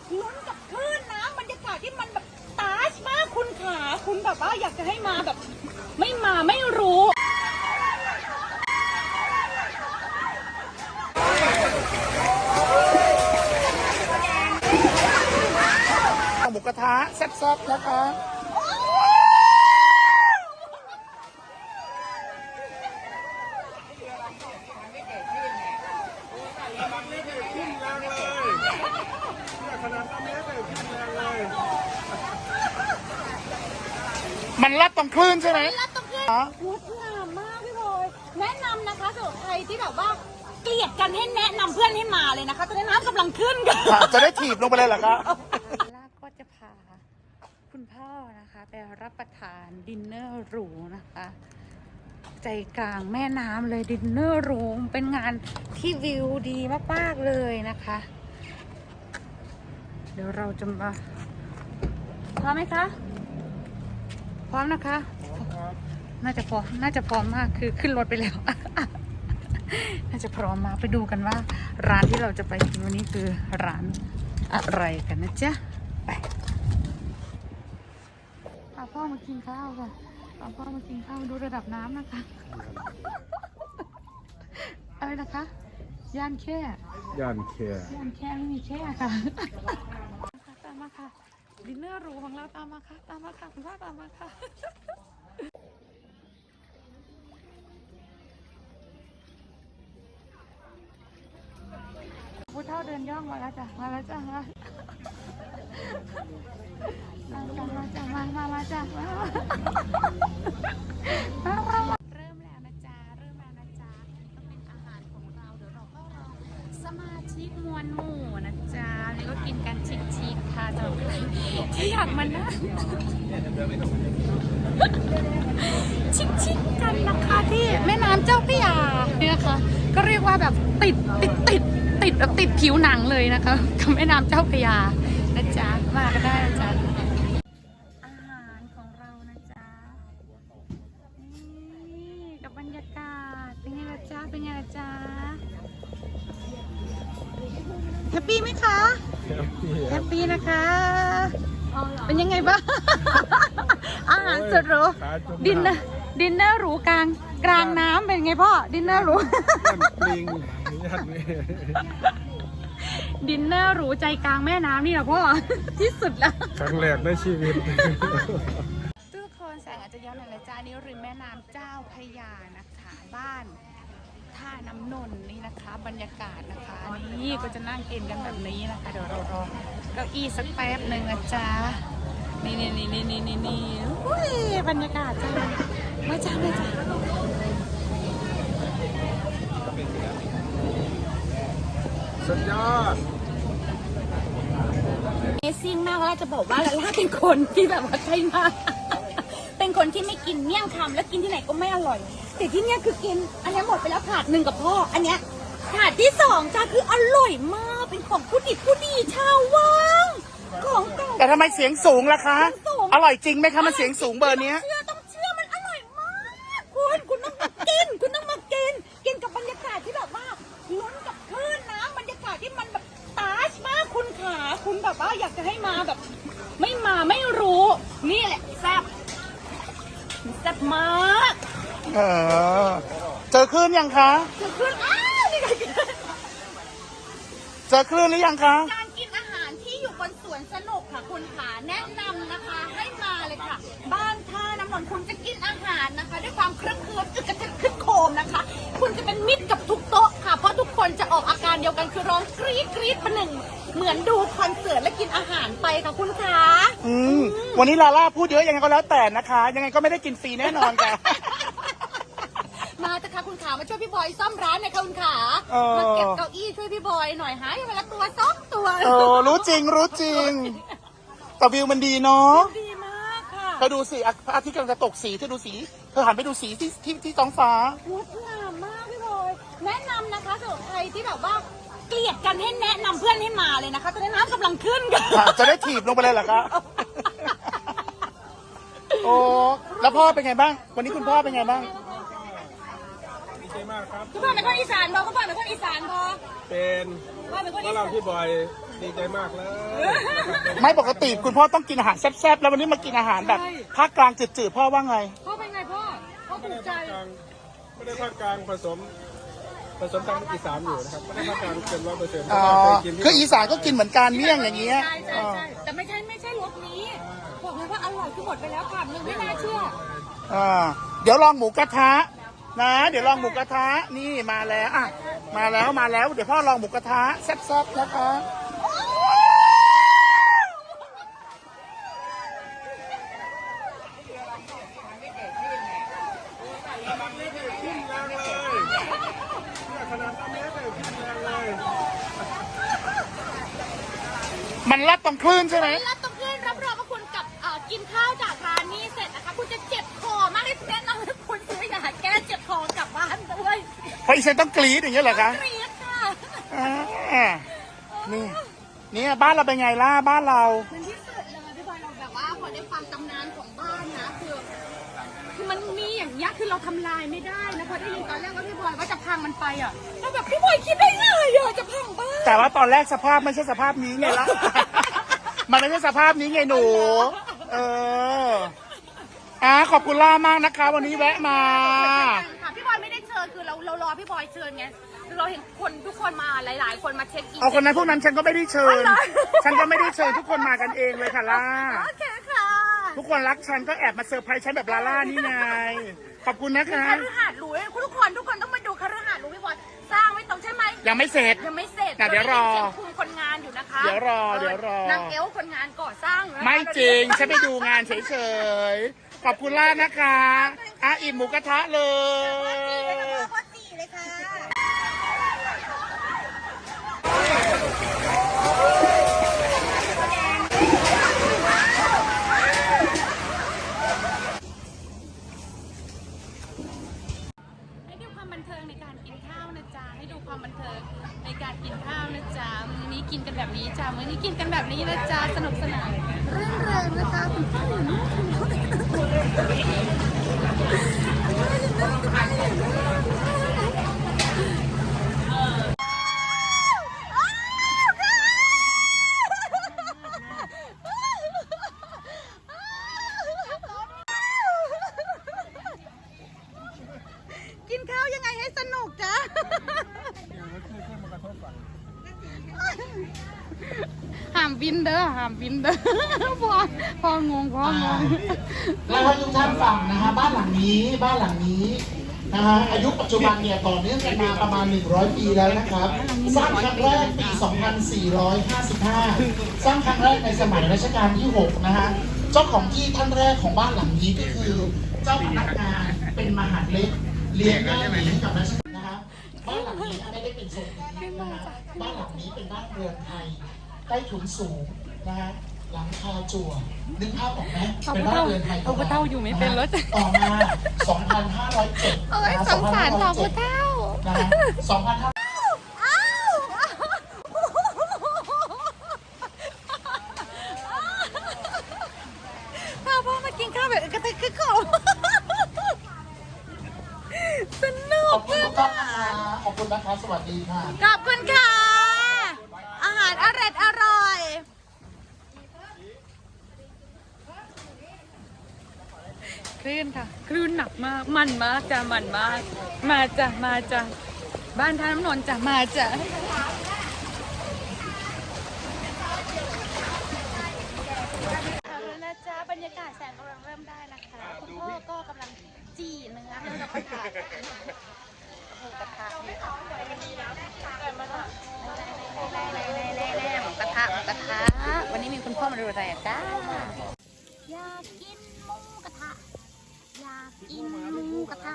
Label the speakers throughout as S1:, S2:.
S1: ลุ้นกับคลื่นน้ำบรรยากาศที่มันแบบตาชมากคุณขาคุณแบบว่าอยากจะให้มาแบบไม่มาไม่รู้
S2: หมูกระทะแซ่บๆนะคะมันลัดตรงคลื่นใช่ไหม
S1: ลัดตรงคลื่นงดงามมากพี่บอยแนะนำนะคะสำหรับใครที่แบบว่าเกลียดกันให้แนะนำเพื่อนให้มาเลยนะคะตอนนี้น้ำกำลังขึ้นกัน
S2: จะได้ถีบลงไปเลยเหรอคะ
S3: ล่าก็จะพาคุณพ่อนะคะไปรับประทานดินเนอร์หรูนะคะใจกลางแม่น้ำเลยดินเนอร์หรูเป็นงานที่วิวดีมากๆเลยนะคะเดี๋ยวเราจะมาพร้อมไหมคะพร้อมนะคะน่าจะพร้อมมากคือขึ้นรถไปแล้ว น่าจะพร้อมมากไปดูกันว่าร้านที่เราจะไปกินวันนี้คือร้านอะไรกันนะจ๊ะไปพาพ่อมากินข้าวค่ะพาพ่อมากินข้าวดูระดับน้ำนะคะ อะไรนะคะย่านแค่ไม่มีแค่ค่ะตามมาค่ะดินเนอร์หรูของเราตามมาค่ะคุณพ่อตามมาค่ะผู้เฒ่าเดินย่องมาแล้วจ้ะมาจ้ะมาจ้ะมาจ้ะเริ่มแล้วนะจ๊ะต้องเป็นอาหารของเราเดี๋ยวเราก็รอสมาชิกมวลหมู่นะจ๊ะนี่ก็กินกันชิคๆค่ะสำหรับใครที่อยากมานั่งชิคๆกันนะคะที่แม่น้ำเจ้าพระยาเนี่ยนะคะก็เรียกว่าแบบติดแบบติดผิวหนังเลยนะคะกับแม่น้ำเจ้าพระยานะจ๊ะมาก็ได้นะจ๊ะอาหารของเรานะจ๊ะนี่กับบรรยากาศเป็นไงล่ะจ๊ะแฮปปี้ไหมคะแฮปปี้นะคะเป็นยังไงบ้าง อาหารสุดหรูดินเนอร์หรูกลางน้ำเป็นไงพ่อดินเนอร์หรูดินเนอร์หรูใจกลางแม่น้ำนี่แหละพ่อ ที่สุดแล้ว
S2: ครั้งแรกในชีวิต
S3: ทุกคนแสงอาจจะย้อนหน่อยจ้านี้ริมแม่น้ำเจ้าพระยานะคะบ้านท่าน้ำนนท์นี่นะคะบรรยากาศนะคะนี่ก็จะนั่งกินกันแบบนี้นะคะเดี๋ยวเรารอเก้าอี้สักแป๊บหนึ่งนะจ๊ะนี่อุ้ยบรรยากาศจ้ามาจ้า
S2: สุดยอด
S1: เอซิ่งมากแล้วจะบอกว่าลาล่าเป็นคนที่แบบว่าใช่มากเป็นคนที่ไม่กินเมี่ยงคำแล้วกินที่ไหนก็ไม่อร่อยแต่ที่เนี้ยคือกินอันนี้หมดไปแล้วถาดหนึ่งกับพ่ออันเนี้ยถาดที่2จ้าคืออร่อยมากเป็นของผู้ดีชาววังของเก่า
S2: แต่ทำไมเสียงสูงล่ะคะอร่อยจริงไหมคะมันเสียงสูงเบอร์นี้
S1: ต้องเชื่อมันอร่อยมากคุณต้องมากินกับบรรยากาศที่แบบว่าลุ้นกับคลื่นน้ำบรรยากาศที่มันแบบตาชมากคุณขาคุณแบบว่าอยากจะให้มาแบบไม่มาไม่รู้นี่แหละแซ่บมาก
S2: เจอคลื่นยังคะ
S1: เจอคลื่นนี่ไง
S2: เจอคลื่นหรือยังคะ
S1: การกินอาหารที่อยู่บนสวนสนุกค่ะคุณขาแนะนำนะคะให้มาเลยค่ะบ้านท่าน้ำนนท์คุณจะกินอาหารนะคะด้วยความเครื่องอึกกระทึกคึกโคมนะคะคุณจะเป็นมิตรกับทุกโต๊ะค่ะเพราะทุกคนจะออกอาการเดียวกันคือร้องกรี๊ดประหนึ่งเหมือนดูคอนเสิร์ตและกินอาหารไปค่ะคุณขา
S2: วันนี้ลาล่าพูดเยอะยังไงก็แล้วแต่นะคะยังไงก็ไม่ได้กินฟรีแน่นอนค่ะ
S1: มาเถอะค่ะคุณขามาช่วยพี่บอยซ่อมร้านหน่อยค่ะคุณขามาเก็บเก้าอี้ช่วยพี่บอยหน่อยหายไปละตัว2 ตัว
S2: รู้จริงแต่วิวมันดีเนาะ
S1: ดีมากค่ะ
S2: เธอดูสิพระอาทิตย์กำลังจะตกสีเธอดูสีเธอหันไปดูสีที่ท้องฟ้าง
S1: ดงามมากพี่บอยแนะนำนะคะสำหรับใครที่แบบว่าเกลียดกันให้แนะนำเพื่อนให้มาเลยนะคะตอนนี้น้ำกำลังขึ้นกัน
S2: จะได้ถีบลงไปเลยเหรอคะโอ้แล้วพ่อเป็นไงบ้างวันนี้คุณพ่อเป็นไงบ้าง
S4: ดีใจมากากครับ
S1: คุณพ่อเป็นคนอีสานพอคุณพ่อเป็นคนอีสานพอ
S4: เป็น
S1: พ่อเป็นคน
S4: ฝ
S1: อีสา
S4: รั่ง
S1: น
S4: ที่บ่อยดีใจมากเลย
S2: ไม่ปกติคุณพ่อต้องกินอาหารแซ่บๆแล้ววันนี้มากินอาหารแบบภาคกลางจืดๆพ่อว่าไง
S1: พ่อเป็นไงพ่อพ่อ
S4: ไม่
S1: ถู
S4: ได้
S1: กใจ
S4: ภาคกลางไม่ได้ภาคกลางผสมทางอีสานอยู่นะครับไม่ได้ภาคกลางเกิน100%เพ
S2: อ๋อ
S4: ราะว่าเคยกินที่
S2: คืออีสานก็กินเหมือนกันเมี่ยงอย่างเงี้ย
S1: ใช่ใช่ใช่แต่ไม่ใช่รสนี้บอกเลยว่าอร่อยคือหมดไปแล้วค่ะนึงไม่น่าเชื่อ
S2: เดี๋ยวลองหมูกระทะนะ เดี๋ยวลองหมูกระทะนี่มาแล้วอ่ะมาแล้วเดี๋ยวพ่อลองหมูกระทะแซ่บๆนะคะ
S4: ขึ้นแรงเลยเนี่ยขนาดนี้เลยขึ้นแรงเลย
S2: มันรัดตรงคลื่นใช่ไหม
S1: แล้วต้องเพื่อนรับรองว่าคุณกับกินข้าวจากร้านนี้เสร็จนะคะคุณจะเจ็บคอมากที่แนะนำให้คุณซื้อยาแก้เจ็บคอกลับบ้านด้วย
S2: เพราะอีเซนต้องกรี๊ดอย่างเงี้ยเหรอคะ
S1: เกรียดค่ะ
S2: อ่านี่บ้านเราเป็นไงล่ะบ้านเรา
S1: มันที่สุดเลยพี่บอยเราแบบว่าพอได้ฟังตำนานของบ้านนะคือมันมีอย่างเงี้ยคือเราทำลายไม่ได้นะพอได้ยินตอนแรกว่าพี่บอยว่าจะพังมันไปอ่ะแล้วแบบพี่บอยคิดได้ไงอ่ะจะพังบ้าน
S2: แต่ว่าตอนแรกสภาพไม่ใช่สภาพนี้ไงล่ะ มันไม่ใช่สภาพนี้ไงหนู ขอบคุณล่ามากนะคะ วันนี้แวะมา
S1: ค่ะพี่บอยไม่ได้เชิญคือเรารอพี่บอยเชิญไงคือเราเห็นคนทุกคนมาหลายๆ คนมาเช็คอิน
S2: เอาคนนั้นพวกนั้นฉันก็ไม่ได้เชิญ
S1: อ๋อเหรอ
S2: ฉันก็ไม่ได้เชิญทุกคนมากันเองเลยค่ะล่า
S1: โอเคค่ะ
S2: ทุกคนรักฉันก็แอบมาเซอร์ไพรส์ฉันแบบลาล่านี่ไง ขอบคุณนะคะ
S1: คฤหาสน์หรูทุกคนต้องมาดูคฤหาสน์หรูพี่บอยสร้างไม่ต้องใช่ไหม
S2: ยังไม่เสร็จ
S1: ยังไม่เสร็จ
S2: เดี๋ยวรอ
S1: เสียงคุมคนงานอยู่นะคะ
S2: เดี๋ยวรอ
S1: นางเอลคนงานก่อสร้างนะคะ
S2: ไม่จริง ฉันไปดูงานเฉยๆ ขอบคุณล่านะคะอิ่มหมูกระทะเลย
S1: พ่อจีเลยค่ะ
S3: ให้ดูความบันเทิงในการกินข้าวนะจ๊ะให้ดูความบันเทิงในการกินข้าวนะจ๊ะมื้อนี้กินกันแบบนี้จ้ะมื้อนี้กินกันแบบนี้นะจ๊ะสนุกสนานเรื่นเริงนะคะคุณพ่ออยู่นู่นกินข้าวยังไงให้สนุกจ๊ะห้ามบินเด้อห้ามบินเด้อพองงพองง
S2: แล้วให้ทุกท่านฟังนะฮะบ้านหลังนี้นะฮะอายุปัจจุบันเนี่ยต่อเนื่องกันมาประมาณ100 ปีแล้วนะครับสร้างครั้งแรกปี 2455 สร้างครั้งแรกในสมัยรัชกาลที่ 6 นะฮะเจ้าของที่ท่านแรกของบ้านหลังนี้ก็คือเจ้าพนักงานเป็นมหาดเล็กเลี้ยงง่ายดีให้กับรัชกาลนะฮะบ้านหลังนี้ไม่ได้เป็นทรงนี้นะฮะบ้านหลังนี้เป็นบ้านเรือนไทยใต้ถุนสูงนะฮะหลังคาจั่วนึกภาพออกไหมเป็นบ้านเรือนไทย
S3: เอาผู้เฒ่าอยู่ไม่เป็นรถ
S2: ต่อมา 2,507
S3: เอ้ยสงสารสาวผู้เฒ่า
S2: นะฮะ2,500
S3: พาพ่อมากินข้าวแบบกระตึกกระโขมสนุ
S2: ข
S3: ก
S2: อบคุณทุกท่านนะคะขอบคุณนะคะ สวัสดีค่ะ
S3: ขอบคุณค่ะ อาหารอร่อยคลื่นค่ะ คลื่นหนักมาก มันมากจ้ะมันมาก มาจ้ะบ้านท่าน้ำนนท์จ้ะมาจ้ะเอาแล้วนะจ๊ะบรรยากาศแสงกำลังเริ่มได้นะคะคุณพ่อก็กำลังจี่เนื้อให้กับกระทะหมูกระทะนี่ค่ะหมูกระทะวันนี้มีคุณพ่อมาดูอะไรอ่ะจ้าอยากกินหมูกระทะอยากกินหมูกระทะ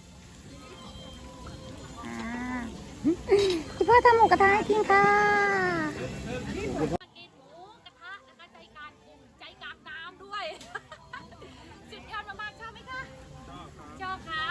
S3: คุณพ่อทำหมูกระทะให้กินค่ะ
S1: กินหมูกระทะนะคะใจกลางน้ำด้วย สุดยอดมากๆชอบไหมคะชอบครับ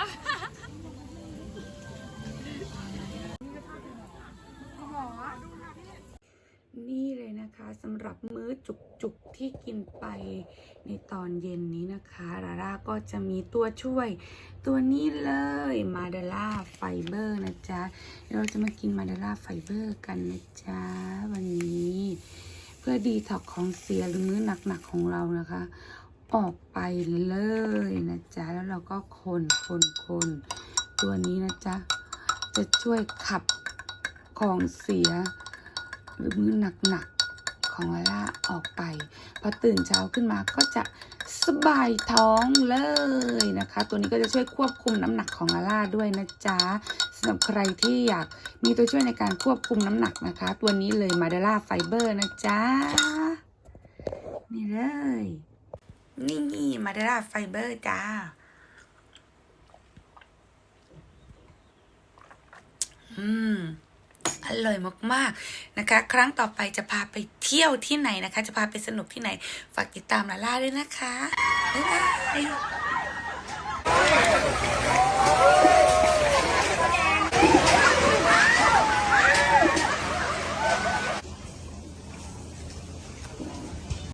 S3: นี่เลยนะคะสำหรับมื้อจุกๆที่กินไปในตอนเย็นนี้นะคะลาล่าก็จะมีตัวช่วยตัวนี้เลยมาดาล่าไฟเบอร์นะจ๊ะเราจะมากินมาดาล่าไฟเบอร์กันนะจ๊ะวันนี้เพื่อดีท็อกของเสียหรือมื้อหนักๆของเรานะคะออกไปเลยนะจ๊ะแล้วเราก็คนตัวนี้นะจ๊ะจะช่วยขับของเสียหรือมื้อหนักๆของลาล่าออกไปพอตื่นเช้าขึ้นมาก็จะสบายท้องเลยนะคะตัวนี้ก็จะช่วยควบคุมน้ำหนักของลาล่าด้วยนะจ๊ะสำหรับใครที่อยากมีตัวช่วยในการควบคุมน้ำหนักนะคะตัวนี้เลยมาดาล่าไฟเบอร์นะจ๊ะนี่เลยนี่มาดาล่าไฟเบอร์จ้าอร่อยมากๆนะคะครั้งต่อไปจะพาไปเที่ยวที่ไหนนะคะจะพาไปสนุกที่ไหนฝากติดตามลาล่าด้วยนะคะบ๊ายบาย